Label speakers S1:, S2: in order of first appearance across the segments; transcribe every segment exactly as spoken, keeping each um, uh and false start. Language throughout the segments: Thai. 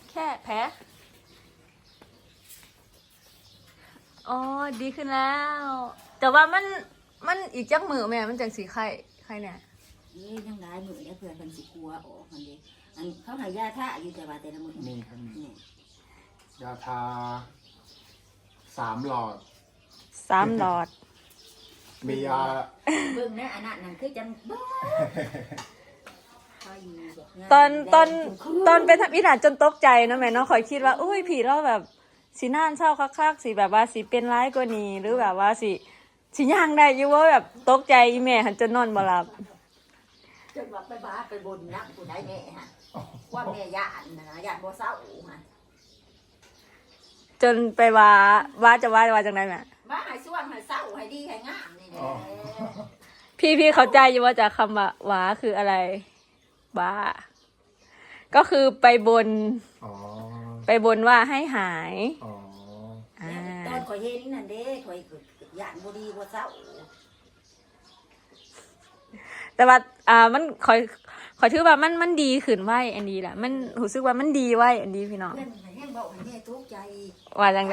S1: แค่แผลอ๋อดีขึ้นแล้ว แต่ว่ามันมันอีกจักมือแม่มันจังสีไข้ไข้เนี่ย
S2: เอ้ยยังได้มือเนี่ยเพื่อนเป็นสิกลัวออกมันดิอันเขาหายาท่าอยู่แต่ว่าแต่ละมือ
S3: มีครับมียาทาสามหลอด
S1: สามหลอด
S3: มียา
S2: เบิ่งนะอันนั้นนั่นคือจังบ้า
S1: ตอนตอนตอนเป็นทำอีหลานจนตกใจนะแม่เนาะคอยคิดว่าอุ้ยผีเราแบบสีน่านเศร้าคักๆสีแบบว่าสีเป็นร้ายกว่านี้หรือแบบว่าสีสีย่างได้อยู่ว่าแบบตกใจอีแม่หันจนนอนบ่หลับ
S2: จนว่าไปบ้าไปบนนักกูได้แม่ฮะว่าแม่ยานนะยานบ่เศร้าฮะ
S1: จนไปว่าว่าจะว่าว่าจังไดแม่
S2: บ้าให้ช่วงให้เศร้าให้ดีให้งามนี่แหละ
S1: พี่พี่เข้าใจอยู่ว่าจากคำว่าว้าคืออะไรบ้าก็คือไปบนไปบนว่าให้หาย
S2: ตอนข่อยเห็นนั่นเด้ข่อยยานบ่ดีบ่เศร้า
S1: แต่ว่าอ่ามันคอยคอยถือว่ามันมันดีขึ้นไว้อันดีแหละมันรู้สึกว่ามันดีไว้อันดีพี่น้องว่าจังได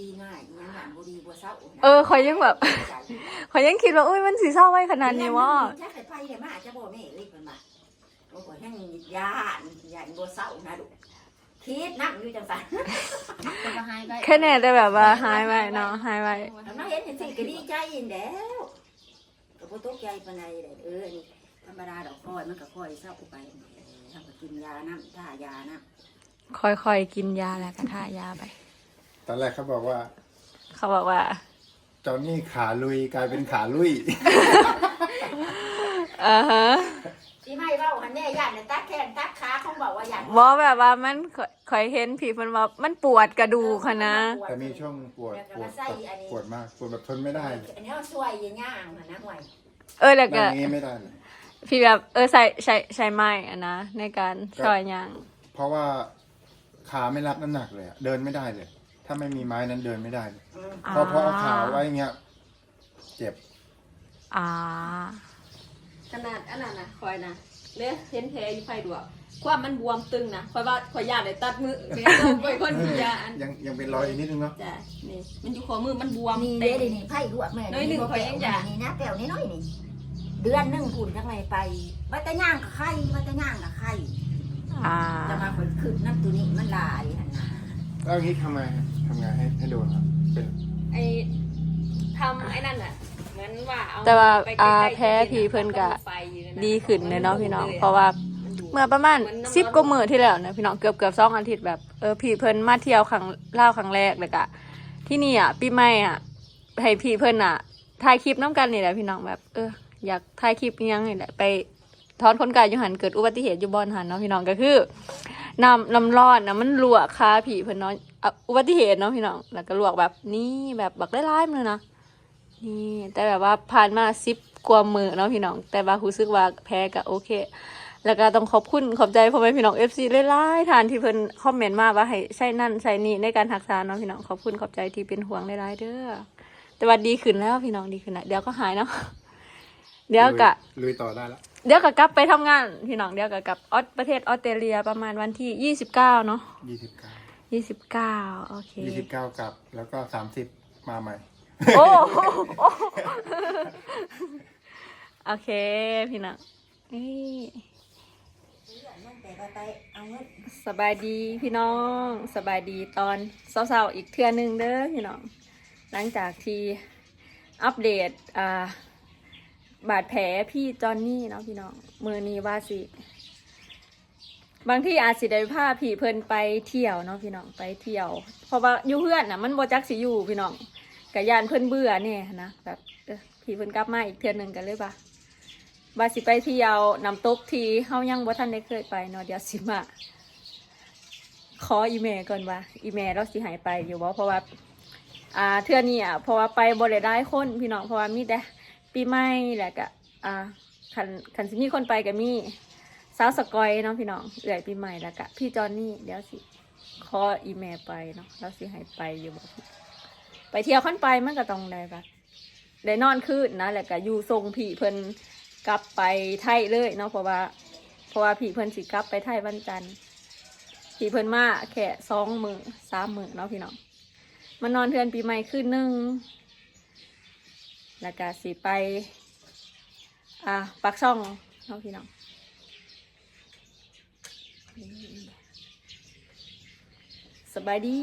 S1: เออคอยยังแบบคอยยังคิดว่าอุ้ยมันสีเศร้าไว้ขนาดนี้วะ
S2: จะไปไปเลยมาจะบ่แม่เลยเพิ่นมาโอ้ยยังยานยานบ่เศร้านะลูกคิดนั่งอยู่จังซั่น
S1: แค่แน่แต่แบบว่าหายไว้เนาะหายไว้
S2: มาเห็นจังซี่ก็ดีใจอีแล้วก็บ่ตกใจปานใดเออนี่ธรรมดาดอกค่อยมันก็ค่อยเศร้าไปทำก็กินยาน้ำท่ายาน้
S1: ำค่อยๆกินยาแล้วก็ท่ายาไป
S3: ตอนแรกเขาบอกว่า
S1: เขาบอกว่า
S3: จอนนี่ขาลุยกลายเป็นขาลุย
S1: อ่าฮะ
S2: ที่ไม่เว้าหันแน่ย่านตักแข้งตักขาเขาบอกว่าย่าน
S1: บ่แบบว่ามันคอยเห็นผีมันว่ามันปวดกระดูกค่ะนะ
S3: แต่มีช่วงปวดปวดปวดมากปวดแบบทนไม่ได้
S2: อันนี้ช่วยย่างๆนะห่วย
S1: เออแล้วก็
S3: นี้ไม่ได้เลย
S1: พี่แบบเออใส่ใช้ใช้ไม้อะนะในการช่วยย่าง
S3: เพราะว่าขาไม่รับน้ำหนักเลยเดินไม่ได้เลยถ้าไม่มีไม้นั้นเดินไม่ได้เลยเพราะเพราะเอาขาไว้เงี้ยเจ็บ
S1: อ่า
S4: ขนาดอันนั้นนะคอยนะเนี่ยเห็นแผลอยู่ไฟดวกความมันบวมตึงนะคอยว่าคอยยาเลยตัดมือเนี่ยไปคนกินยาอัน
S3: ยังยังเป็นรอยนิดนึงเนาะ
S4: จ้ะนี่มันอยู่ขอมือมันบวม
S2: นี่เด้ดินี่ไผ่ดวกแม่
S4: น้อยหนึ่งคอยยังยา
S2: นี่นะแก้วน้อยนี่เดือนหนึ่งคุณทั้งไรไปวัตย่างกับไข่วัตย่างกับไข่จะมาผลคืบน้ำตัวนี้มันลายหันนา
S3: แล้วงี้ทำไงทำไงให้ให้โดนครับเป็น
S4: ไอทำไอ้นั่นอ่ะเหมือนว่าเอา
S1: แต่ว่าอาแพ้ผีเพิ่นกะดีขึ้นเลยเนาะพี่น้องเพราะว่าเมื่อประมาณสิบกว่ามื้อที่แล้วนะพี่น้องเกือบเกือบสองอาทิตย์แบบเออผีเพิ่นมาเที่ยวครั้งเล่าครั้งแรกเลยกะที่นี่อ่ะปีใหม่อ่ะให้ผีเพิ่นอ่ะถ่ายคลิปน้ำกันนี่แหละพี่น้องแบบเอออยากถ่ายคลิปยังนี่แหละไปถอนขนไก่อยู่หันเกิดอุบัติเหตุอยู่บอนหันเนาะพี่น้องก็คือน้ำน้ำร้อนนะมันลวกคาผีเพิ่นเนาะอุบัติเหตุเนาะพี่น้องแล้วก็ลวกแบบนี้แบบบักได้ร้ายเลยนะนี่แต่แบบว่าผ่านมาสิบกว่ามือเนาะพี่น้องแต่ว่ารู้สึกว่าแพ้ก็โอเคแล้วก็ต้องขอบคุณขอบใจพ่อแม่พี่น้องเอฟซีหลายๆทานที่เพิ่นคอมเมนต์มาว่าให้ใช้นั่นใช้นี่ในการรักษาเนาะพี่น้องขอบคุณขอบใจที่เป็นห่วงหลายๆเด้อแต่ว่าดีขึ้นแล้วพี่น้องดีขึ้นแล้วเดี๋ยวก็หายเนาะเดี๋ยวก็
S3: ลุยต่อได้แล้ว
S1: เดี๋ยวก็กลับไปทำงานพี่น้องเดี๋ยวก็กลับออสประเทศออสเตรเลียประมาณวันที่ยี่สิบเก้าเนาะ
S3: ยี่สิบเก้า
S1: ยี่สิบเก้าโอเค
S3: ยี่สิบเก้ากลับแล้วก็สามสิบมาใหม่
S1: โอ้โอเคพี่น้องนี่สบายดีพี่น้องสบายดีตอนเช้าๆอีกเทื่อนึงเด้อพี่น้องหลังจากที่อัปเดตอ่าบาดแผลพี่จอนนี่เนาะพี่น้องมือนี้ว่าสิบางที่อาจสิได้พาพี่เพิ่นไปเที่ยวเนาะพี่น้องไปเที่ยวเพราะว่าอยู่เพื่อนน่ะมันบ่จักสิอยู่พี่น้องกะยานเพิ่นเบื่อแน่นะแบบเออพี่เพิ่นกลับมาอีกเทื่อนึงกันเลยป่ะว่าสิไปเที่ยวน้ำตกที่เฮายังบ่ทันได้เคยไปเนาะเดี๋ยวสิมาขออีเมลก่อนว่าอีเมลเราสิหายไปอยู่บ่เพราะว่าอ่าเทื่อนี้อ่ะเพราะว่าไปบ่ได้ได้คนพี่น้องเพราะว่ามีแต่ปีใหม่แหละก็อ่าคันคันสิมีคนไปก็มีสาวสกอยเนาะพี่น้องเอื่อยปีใหม่แล้วก็พี่จอนนี่เดี๋ยวสิขออีเมลไปเนาะแล้วสิหายไปอยู่บ่ไปเที่ยวขั้นไปมันก็ต้องได้ปะได้นอนคืนนะแล้วก็อยู่ทรงผีเพิ่นกลับไปไทยเลยเนาะเพราะว่าเพราะว่าผีเพิ่นสิกลับไปไทยวันจันทร์ที่เพิ่นมาแค่สองมื้อสามมื้อเนาะพี่น้องมานอนเทือนปีใหม่คืนหนึงแล้วก็สิไปอ่าปักช่องเนาะพี่น้องสบายดี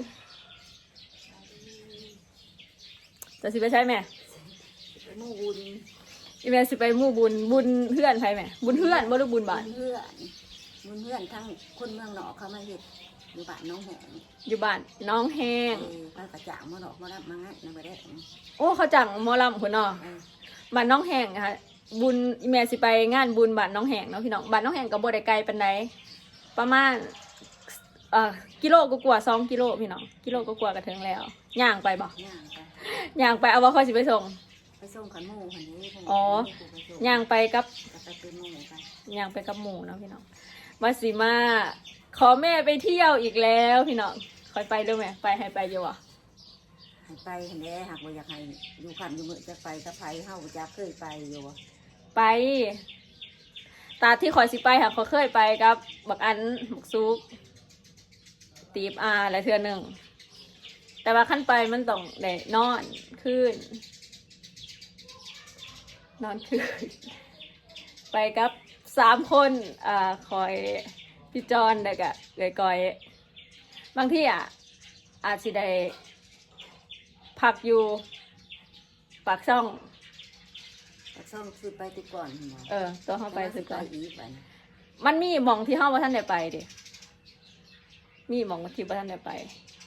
S1: จะสิไปใช่ไหม
S2: ไปหมู่บุญ
S1: อีเมลสิไปหมู่บุญบุญเพื่อนใครไหมบุญเพื่อนบ่หรือบุญบ้าน
S2: เพื่อนบุญเพื่อนทั้งคนเมืองนอกเขามาเฮ็ดอยู่บ้านน้องแหง
S1: อยู่บ้านน้องแห้ง
S2: เออไปกระจ่างมาดอกมารับมางั้นนะบ่ได้
S1: โอ้เขาจังหมอลำคนเนาะ
S2: เออ
S1: บ้านน้องแห้งอะค่ะบุญอีเมลสิไปงานบุญบ้านน้องแห้งเนาะพี่น้องบ้านน้องแห้งกับบ่ได้ไกลปานใดประมาณเอ่อกิโลกว่าๆสองกิโลพี่น้องกิโลกว่าๆก็ถึงแล้วย่างไปบ่
S2: ย่างไป
S1: ย่างไปเอาว่าเขาสิไปส่ง
S2: ไปส่งขันหมู่ขันนี้
S1: อ๋อย่าง งไปกับ
S2: จะไปเป็นหมู่ไป
S1: ย่างไปกับหมู่เนาะพี่น้องมาสิมาขอแม่ไปเที่ยวอีกแล้วพี่น้องคอยไปด้วยไหมไปให้ไปอยู่อ่ะ
S2: ให้ไปเห็นแหละหากว่าอยากให้อยู่ขันอยู่มือจะไปกับไผเฮาจะเคยไปอยู่บ่
S1: ไป ตาที่คอยสิไปค่ะเขาเคยไปกับบักอันบักซุกตีบอาและเทือหนึ่งแต่ว่าขั้นไปมันต้องได้นอนขึ้น นอนขึ้น ไปกับสามคนอ่าคอยพี่จอนแล้วก็เกยกอยบางที่อ่ะอาจสิได้พักอยู่ปากช่อง
S2: ปักซ่องซื้อไปติดก่อนหมอ
S1: เออตัวเข้าไปสุดก่อน
S2: อีกไป
S1: มันมีหมองที่ห้าว่าท่านได้ไปดิมีหมองที่ว่าท่านได้ไป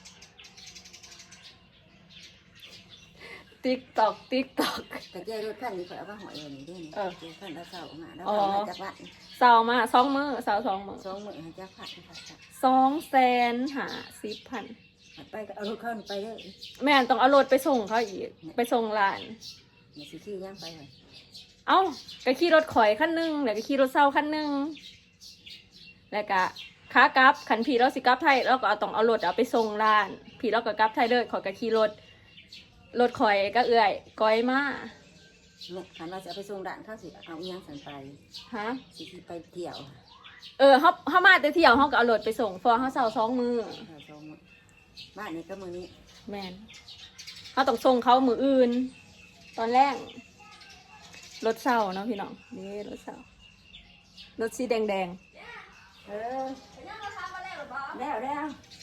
S1: ติ๊กตอกติ๊กตอก
S2: แต่แก้รถคันนี้ข่อยเอามาหอยไว้นี่เด้นี่
S1: เออ
S2: แก้คันละเสามาแล้ว
S1: อ๋อ
S2: เอามาจากวัด
S1: เสามาสองมือเสาสองมือ
S2: สองมื้อให้จักพัดพัดพัด
S1: สองแสนหาสิบพัน
S2: ไปก็เอารถเข้าไปเด้อ
S1: แม่นต้องเอารถไปส่งเขาอีกไปส่งร้าน
S2: นี่สิขี่ย่างไปเลย
S1: เอ้าก็ขี่รถข่อยขั้นหนึ่งแล้วก็ขี่รถเศร้าขั้นหนึ่งแล้วก็ขากลับขันพี่เราสิกลับไทยเราก็เอาต้องเอารถเอาไปส่งร้านพี่เราก็กลับไทยเลยข่อยก็ขี่รถรถข่อยก็เอื่อยก้อยมา
S2: เนี่ยคันว่าจะเอาไปส่งด่านเข้าสิเอาอีหยังสันไป
S1: ฮะ
S2: สิขี่ไปเที่ยว
S1: เออเขาเขามาแต่เที่ยวเขาก็เอารถไปส่งฟอเขาเศร้าสองมือ
S2: เอาสองมื้อบ้านนี้ก็มื้อนี้
S1: แมนเขาต้องส่งเขามืออื่น ตอนแรกรถเศร้าเนาะพี่น้องนี่รถเศร้ารถสีแดงแดง
S2: เออแล้วแล้ว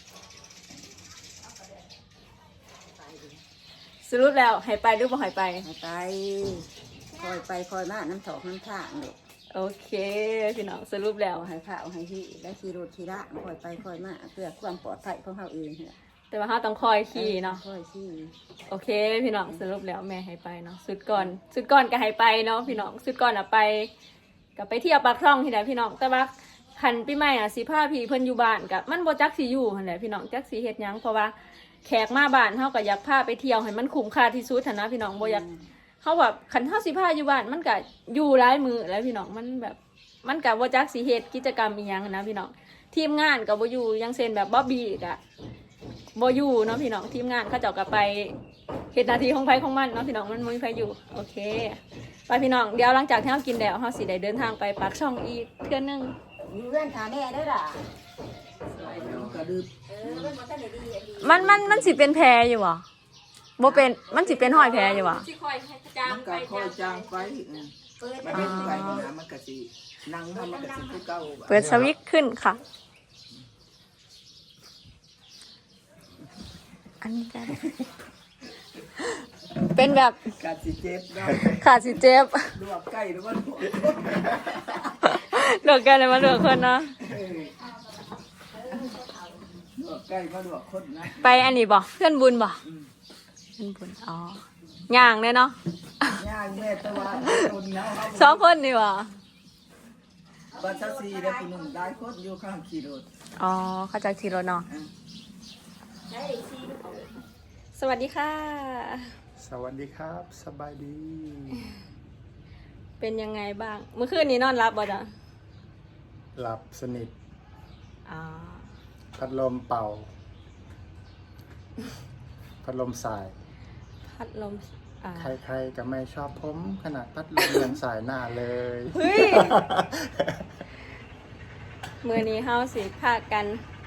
S1: ๆสรุปแล้วให้ไปหรือบ่ให้ไป
S2: ให้ไปคอยไปคอยมาน้ำถอกน้ำทางเด็ก
S1: โอเคพี่น้องสรุปแล้ว
S2: เอาให้ข้าวให้ที่ได้ขี่รถขี่ละคอยไปคอยมาเพื่อความปลอดภัยของเขาเองเนี่ย
S1: แต่ว่าเขาต้องคอยขี่เนาะ
S2: คอยขี่
S1: โอเค พี่น้องสรุปแล้วแม่ให้ไปเนาะสุดก่อนสุดก่อนก็ให้ไปเนาะพี่น้องสุดก่อนอะไปก็ไปเที่ยวปากช่องที่ไหนพี่น้องแต่ว่าคันปีใหม่อะสิพาพี่เพิ่นอยู่บ้านกับมันบ่จักสิอยู่หั่นแหละพี่น้องจักสิเฮ็ดหยังเพราะว่าแขกมาบ้านเฮาก็อยากพาไปเที่ยวให้มันคุ้มค่าที่สุดหั่นนะพี่น้องบ่อยากเฮาแบบคันเฮาสิพาอยู่บ้านมันก็อยู่หลายมื้อแล้วพี่น้องมันแบบมันก็บ่จักสิเฮ็ดกิจกรรมอีหยังหั้นนะพี่น้องทีมงานก็บ่อยู่อยังเช่นแบบบ๊อบบี้ก็บ่อยู่เนาะพี่น้องทีมงานเขาเจ้าก็ไปเฮ็ดหน้าที่ของไผของมันเนาะพี่น้องมันบ่มีไผอยู่โอเคไปพี่น้องเดี๋ยวหลังจากที่เฮากินแล้วเฮาสิได้เดินทางไปปากช่องอีกเทื่อนึง
S2: อยู่เพื่อนขาแม่ได้ล่ะ
S3: กระดึบ
S2: เออมันบ่ทันได้ดีอันนี้
S1: มันมันมันสิเป็นแพรอยู่บ่บ่เป็นมันสิเป็นห้อยแพรอยู่บ่
S4: สิคอยให้จาง
S5: มัน
S4: ไป
S5: ก็ค่อยจางไปอืม
S2: เปิด
S5: มัน
S2: ไป
S5: เล่นไปนะมันก็สินั่งทำมันก็สิคือเก่า
S1: เปิดสวิตช์ขึ้นค่ะ อันนี้จะเป็นแบบ
S5: กาสิเจ็บเนาะ
S1: ขาดสิเจ็บ
S5: ลวกไก่หรือว่าลวก
S1: เลือกกันเลยมาเลือกคนเนาะ
S5: เออลวกไก่มาลวกคนนะ
S1: ไปอันนี้บ่เพื่อนบุญบ่เพื่อนบุญอ๋อย่างเลยเนาะ
S5: ย่างแม่ตะวันคนเนาะ
S1: สองคนนี่บ่
S5: บัตรสีได้ผู้หนุ่มได้คนอยู่ข้างขี่รถ
S1: อ๋อเข้าใจทีรถเนาะสวัสดีค่ะ
S3: สวัสดีครับ สบายดี
S1: เป็นยังไงบ้าง เมื่อคืนนี้นอนรับบ่จ๊ะ
S3: หลับสนิท
S1: อ๋อ
S3: พัดลมเป่า พัดลมสาย
S1: พัดลมอ่า
S3: ใครๆก็ไม่ชอบผมขนาดพัดลมยังสายหน้าเลย
S1: เฮ้ย มือนี้เฮาสิพากัน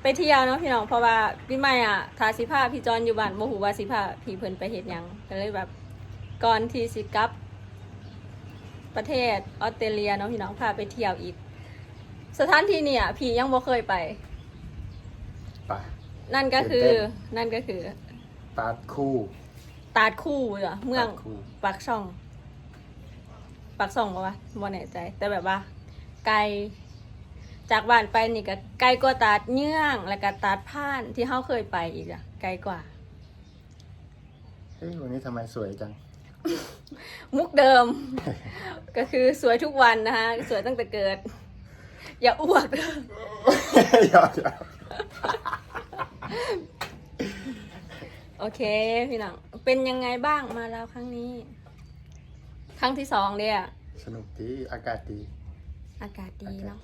S1: ไปเที่ยวเนาะพี่น้องเพราะว่าพี่ใหม่อ่ะทาสิพาพี่จอนอยู่บ้านโมหูว่าสิพาพี่เพิ่นไปเฮ็ดหยังก็เลยแบบก่อนที่สิกลับประเทศออสเตรเลียเนาะพี่น้องพาไปเที่ยวอีกสถานที่เนี่ยพี่ยังบ่เคยไป
S3: ไป
S1: นั่นก็คือนั่นก็คือ
S3: ตาดคู่
S1: ตาดคู่เหรอเมือง
S3: ตาดคู่
S1: ปากช่องปากช่องปะวะบ่แน่ใจ แต่แบบว่า ไกลจากบ้านไปนี่ก็ไกลกว่าตาดเยื่องแล้วก็ตาดผ่านที่เฮาเคยไปอีกอะไกลกว่า
S3: เฮ้ยวันนี้ทำไมสวยจัง
S1: มุกเดิม ก็คือสวยทุกวันนะคะสวยตั้งแต่เกิด อย่าอ้วก
S3: หยอกหยอก
S1: โอเคพี่น้องเป็นยังไงบ้างมาแล้วครั้งนี้ ครั้งที่สองเนี่ย
S3: สนุกดีอากาศดี
S1: อากาศดี
S3: อากาศ
S1: เนาะ
S3: ดี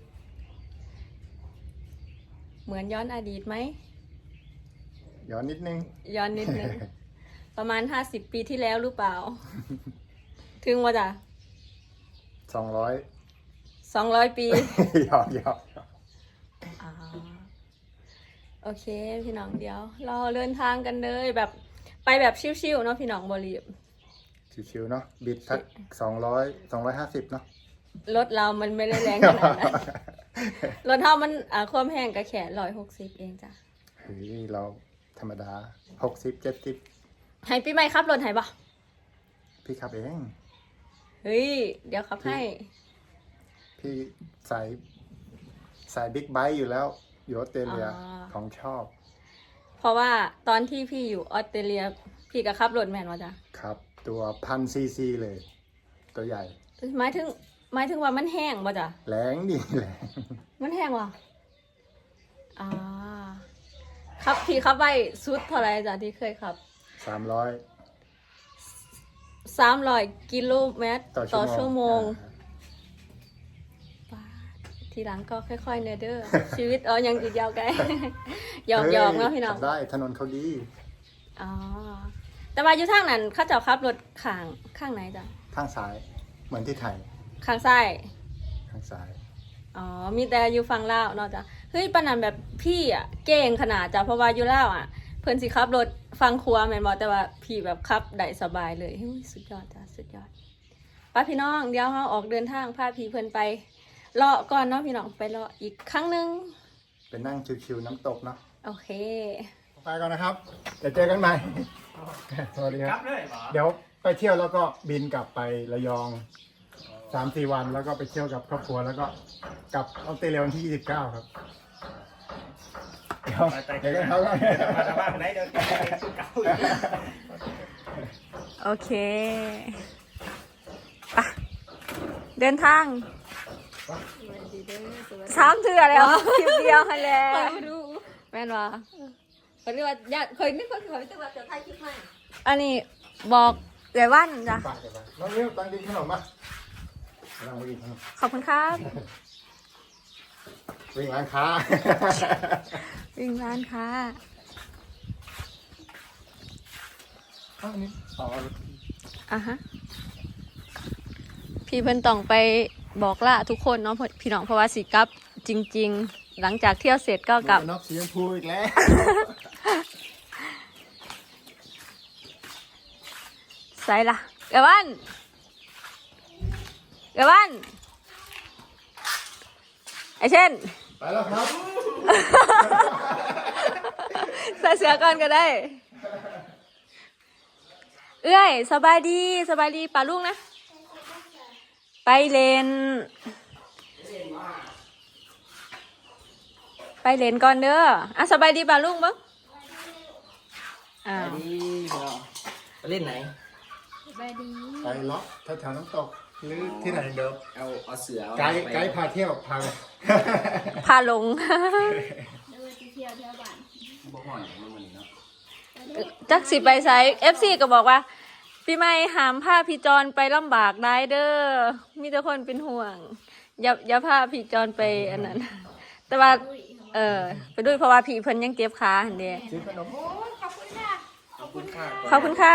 S1: เหมือนย้อนอดีตไหม
S3: ย้อนนิดนึง
S1: ย้อนนิดนึง ประมาณห้าสิบปีที่แล้วหรือเปล่า ถึงว่าจ้ะ
S3: สองร้อย
S1: สองร้อยปี
S3: หยอกหยอกหยอก
S1: อ๋อโอเคพี่น้องเดี๋ยวเราเดินทางกันเลยแบบไปแบบชิวๆเนาะพี่น้องบรีบ
S3: ชิวๆเนาะบิดสักสองร้อยสองร้อยห้าสิบเนาะ
S1: รถเรามันไม่ได้แรงขนาดนั้น รถเท่ามันอ่าความแห้งกระแขนร้อยหกสิบเองจ้ะ
S3: เฮ้ยเราธรรมดาหกสิบเจ็ดสิบ
S1: ให้พี่ไม่ขับรถให้ปะ
S3: พี่ขับเอง
S1: เฮ้ยเดี๋ยวขับให้
S3: พี่สายสายบิ๊กไบค์อยู่แล้ว อยู่ออสเตรเลีย
S1: อ๋อ
S3: ของชอบ
S1: เพราะว่าตอนที่พี่อยู่ออสเตรเลีย พี่ก็ขับรถแมนวะจ้ะ
S3: ครับ ตัวพันซีซีเลย ตัวใหญ่
S1: หมายถึงหมายถึงว่ามันแห้งป่ะจ้ะ
S3: แรงดีแรง
S1: มันแห้งว่ะอ่าครับพี่ขับไปสุดเท่าไหรจ้ะที่เคยขับ
S3: สามร้อย
S1: สามร้อยกิโลเมตร
S3: ต่
S1: ต่
S3: อ
S1: อ
S3: ชั่
S1: ชั่
S3: ว
S1: ว
S3: โม
S1: โม
S3: ง
S1: งป๊าดทีหลังก็ค่อยๆเนเด้อ ชีวิตเอายังอีกยาวไกล หยอกหยอกๆเนาะพี่น้อง
S3: ขับได้ถนนเขาดี
S1: อ๋อแต่ว่าอยู่ทางนั้นเขาเจ้าขับรถข้างข้างไหนจ้ะ
S3: ข้างซ้าย เหมือนที่ไทย
S1: ข้างซ้าย
S3: ข้างซ้าย
S1: อ๋อ มีแต่อยู่ฝั่งลาวเนาะจ้ะ เฮ้ยปานนันแบบพี่อ่ะเก่งขนาดจ้ะ เพราะว่าอยู่ลาวอ่ะ เพิ่นสิขับรถฟังครัวแม่นบ่แต่ว่าพี่แบบขับได้สบายเลยเฮ้ยสุดยอดจ้ะ สุดยอดป้าพี่น้องเดี๋ยวเฮาออกเดินทางพาพี่เพิ่นไปเลาะก่อนเนาะพี่น้องไปเลาะอีกครั้งหนึง
S3: เป็นนั่งชิวๆน้ำตกเนาะ
S1: โอเค
S3: ไปก่อนนะครับ เดี๋ยวเจอกันใหม่ สวัสดีครับ เดี๋ยวไปเที่ยวแล้วก็บินกลับไประยองสามสี่วันแล้วก็ไปเที่ยวกับครอบครัวแล้วก็กลับออสเตรเลียวันที่ยี่สิบเก้าครับ เดี๋ยวเดี๋ยวกันครับ
S6: มาจากบ้านไหนเดี๋ยวไปสุดเก่าอีก
S1: โอเคไปเดินทางสามเทื่อแล้วคลิปเดียวค่ะแล้ว
S4: ดู
S1: แม่นว่า
S4: เขาเรียกว่าญาติเคยนึกว่าเขาจะมาจะถ่ายคลิปให้
S1: อันนี้บอกเดี๋ยววันจ้ะ
S3: ฝากกันไปน้องเลี้ยวตังกินขนมมาลองไปกินขนม
S1: ขอบคุณครับ
S3: วิ่งร้านค้า
S1: วิ่งร้านค้า
S3: อ้าวนี่ต่อ
S1: อ่ะฮะ พี่เพิ่นต้องไปบอกล่าทุกคนเนาะพี่น้องเพราะว่าสิกลับจริง ๆ หลังจากเที่ยวเสร็จก็กลับ
S3: นกสีชมพูอีกแล้ว
S1: ใส่ละเดี๋ยววันเดี๋ยววันไอเช่น
S3: ไปแล้วครับ
S1: ใส่เสื้อก่อนก็ได้ เอ้ยสบายดีสบายดีป่าลูกนะ ไปเลน ไปเลนก่อนเด้ออ่ะสบายดีป่าลูกบ้างอ่า
S6: ดีไปเล่นไหน
S3: ไปเลาะแถวๆน้ำตกหรือที่ไหนเดิม
S6: เอาเอาเสือ
S3: ไกด์ไกด์พาเที่ยวพาไป
S1: พาลง
S6: บ่ห่อนมันมันเนาะ
S1: จักสิไปไซเอฟซีก็บอกว่า พี่ไม่หามพาพี่จอนไปลำบากได้เด้อมีแต่คนเป็นห่วง อย่าอย่าพาพี่จอนไปอันนั้น แต่ว่า เออไปด้วยเพราะว่าพี่เพิ่นยังเจ็บขาหันเด้
S3: ซื้อขนม
S6: ขอบคุณค่ะ
S1: ขอบคุณค่ะ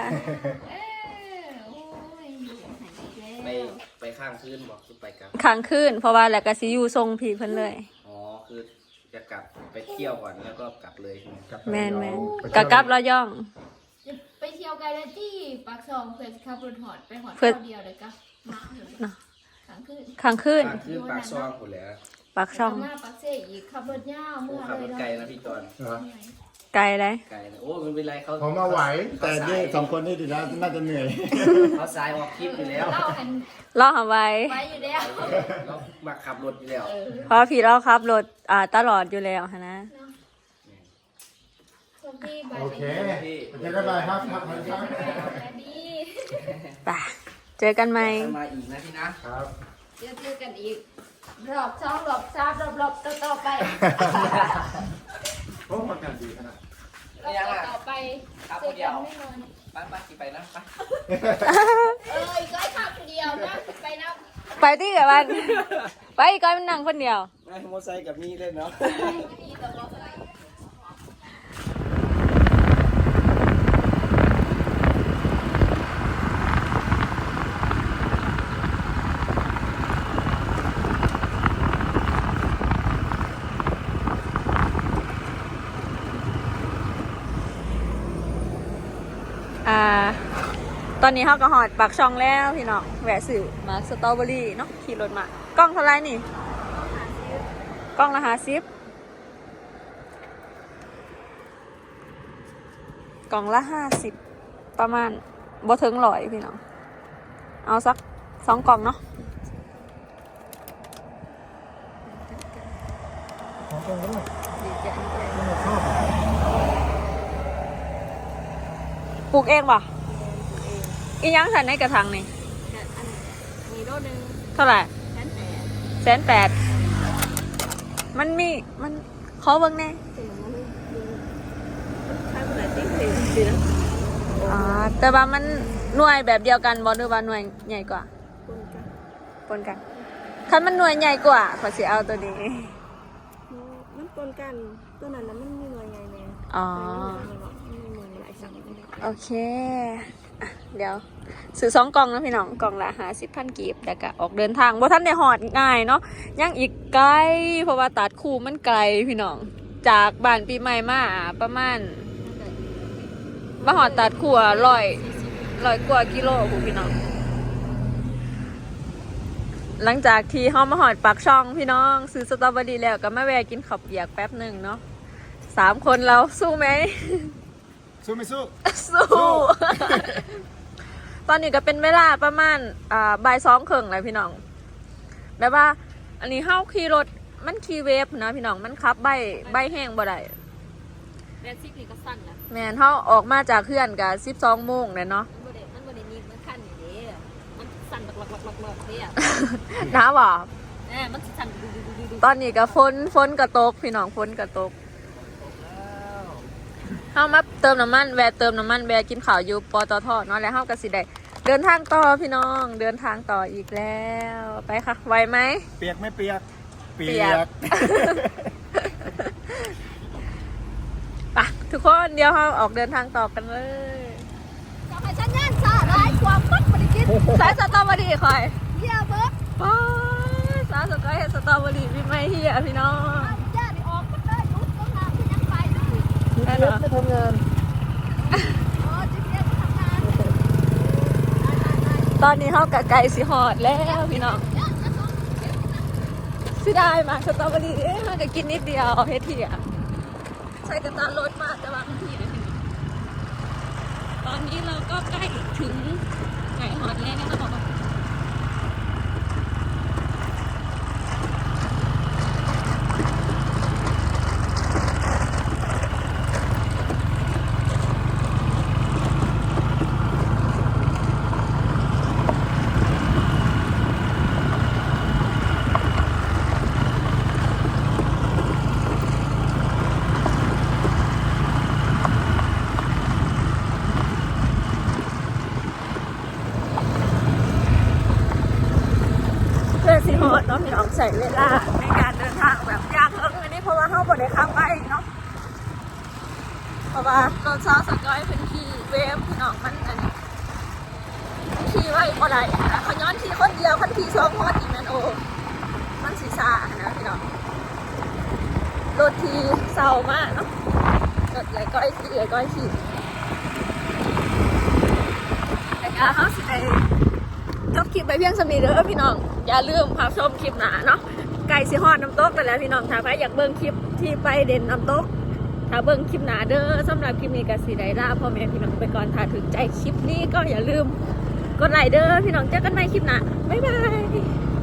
S6: ไปไปข้างคืนบอกคือไปกลาง
S1: ค้างคืนเพราะว่าแล้วก็สิอยู่ทรงพี่เพิ่นเลย
S6: อ๋อคือไปจะกลับไปเที่ยวก่อนแล้วก็กลับเลยใช่ไหม
S3: กลับไป
S1: แมนแมน
S3: ไป
S1: กะ
S3: เที่ยว
S1: กลับระยอง
S7: จะไปเที่ยวกันแล้วที่ปากซองเพื่อนขับรถหอดไปหอด
S1: เพื่อน
S7: เท่าเดียวเลยก็มาเลย
S1: เนาะ
S7: ขังขึ้น
S1: ข้างขึ้น
S6: ปากคือปากซองหมดแล้ว
S1: ปากช่อง
S7: มาปากเซ่อีกขับรถยาว
S6: โอ้
S7: เมื่อ
S6: ขับ
S7: เล
S6: ร
S7: ย
S6: ถ
S7: เนาะ
S6: ไกลนะพี่จอน
S3: เหรอ
S1: ไกลเลย
S6: ไกลนะโอ้มันเป็นไรเขา
S3: ผมมาไหว แต่นี่
S6: เขาาย
S3: สองคนนี่ดีแล้วน่าจะเหนื่อย
S6: เขาสายออกคลิปอยู่แล้ว
S7: เล่ากัน
S1: รอเอาไว้
S7: ไปอยู่แล้ว
S6: เรามาขับรถอยู่แล้ว
S1: เพราะพี่เราขับรถอ่าตลอดอยู่แล้วหั้นนะ
S7: คนที่ไป
S3: โอเคไปเจอกันใหม่ครับครับครับ
S7: แต่ดี
S1: ไปเจอกันไหม
S6: มาอีกนะพี่นะครับ
S7: เจอเจอกันอีกรอบสองรอบสามรอบรอบต่อต่อไป
S3: โอ้ประกันดีขนาด
S7: รอบต่อต่อไปเจอกันแน่นอน
S6: ไปไปขี่ไปนะไป
S7: เอออีกร้อยขับคนเดียวนะไปนะ
S1: ไปที่กับมันไปอีกก้อยมันนั่งคนเดียว
S6: ไม่มอไซค์กับมีเล่นเนาะ
S7: ดีต่อรอบเลย
S1: อ่า ตอนนี้เขาก็หอดปากช่องแล้วพี่น้องแหวะสื่อมาสตรอเบอรี่เนาะขี่รถมากล้องเท่าไรนี่กล้องละห้าสิบกล่องละห้าสิบประมาณบ่ถึงร้อยพี่น้องเอาสักสองกล่องเนาะปลูกเองป่ะอีหยังสันในกระถางนี่
S4: มีโลนึง
S1: เท่าไหร่
S4: แสนแปด
S1: แสนแปดมันมีมันขอเบิ่งแน่
S4: ถึงมันใช้คนไหนติ๊กเลยดีนะ
S1: อ่าแต่ว่ามันหน่วยแบบเดียวกันบ่หรือว่าหน่วยใหญ่กว่า
S4: คนกัน
S1: ปนกันคันมันหน่วยใหญ่กว่าขอสิเอาตัวนี้
S4: มันปนกันตัวนั้นนะมันมีหน่วยไงเนี่ย
S1: อ๋อ
S4: มีหน่วยหลายสั่ง
S1: โอเคอ่ะเดี๋ยวซื้อสองกล่องนะพี่น้องกล่องละหาสิบพันกีบแล้วก็ออกเดินทางบ่ท่านได้หอดง่ายเนาะยังอีกไกลเพราะว่าตัดคู่มันไกลพี่น้องจากบ้านปีใหม่มาประมาณมาหอดตัดคู่ร้อยร้อยกว่ากิโลคุณพี่น้องหลังจากที่เฮามาหอดปากช่องพี่น้องซื้อสตรอเบอรี่แล้วก็มาแวะกินข้าวเปียกแป๊บหนึ่งเนาะสามคนเราสู้ไหม
S3: สู้ไม่สู้
S1: สู้ ตอนนี้ก็เป็นเวลาประมาณอ่าบ่ายสองครึ่งแล้วพี่น้องแบบว่า อันนี้เฮาขี่รถมันขี่เวฟนะพี่น้องมันขับใบใบแห้งบ่ได้
S4: แบนซิกนี่ก็สั้นนะ
S1: แม่นเฮาออกมาจากเพื่อนกับสิบสองโมงเลยเนาะ
S4: มันบ่ได้มันบ่ได้นิ่มมันขั้นอย่างนี้มันสั่นหลักๆๆๆเนี่ย
S1: น้าบ่
S4: แหมมันสั่นดูๆๆ
S1: ตอนนี้ก็ฝนฝนกระตกพี่น้องฝนกระตกเฮามาเติมน้ำมันแวะเติมน้ำมันแวะกินข้าวอยู่ปตทเนาะแล้วเฮาก็สิได้เดินทางต่อพี่น้องเดินทางต่ออีกแล้วไปค่ะไหวไหม
S3: เปียกไม่เปียก
S1: เปียก ไปทุกคนเดี๋ยวเราออกเดินทางต่อกันเลย
S7: ทำไมฉันย่านซาร้ายความมัดบริกิน
S1: สายสตรอเบอรี่คอย
S7: เยี่ยเบิร์ด
S1: ป้าสาวสกอยเห็นสตรอเบอรี่พี่ไม่เฮียพี่น้อง
S7: ย่านี่ออกก็ได้ยุบต้องน้ำที่ยังไปเลย
S1: ได้เหรอ
S3: ไม่ทำงาน
S7: อ๋อจิ๊บเรียกทำงาน
S1: ตอนนี้เขากะไก่สิหอดแล้วพี่น้องสิได้มาสตรอเบอรี่เอ๊ะมันก็กินนิดเดียวเอาเฮ็ดเถียใช้กระตารถมาแต่ว่ามันทีนะพี่น้องตอนนี้เราก็ใกล้ถึงไก่หอดแล้วนะบอกว่า เพื่อสิฮอดเนาะพี่น้องใส่เวลาในการเดินทางแบบยากเอิ้งอันนี้เพราะว่าเขาบ่ได้ขับไปเนาะเพราะว่ารถซาวสกอยเป็นขี่เวฟพี่น้องมันอันนี้ขี่ไว้บ่ได้นะเขาย้อนขี่คนเดียวคันขี่สองคนอีกแม่นโอมันสิซ่านะพี่น้องรถทีเศร้ามากเนาะรถใหญ่ก้อยขี่ใหญ่ก้อยขี่แต่ก็เขาสิไปจบคลิปไปเพียงสำนีเด้อพี่น้องอย่าลืมพาชมคลิปหนาเนาะไก่สิฮอดน้ำตกไปแล้วพี่น้องถ้าใครอยากเบิ่งคลิปที่ไปเด่นน้ำตกถ้าเบิ่งคลิปหนาเด้อสำหรับคลิปนี้ก็สิได้ลาพ่อแม่พี่น้องไปก่อนถ้าถึงใจคลิปนี้ก็อย่าลืมกดไลค์เด้อพี่น้องเจอกันใหม่คลิปหน้าบ๊ายบาย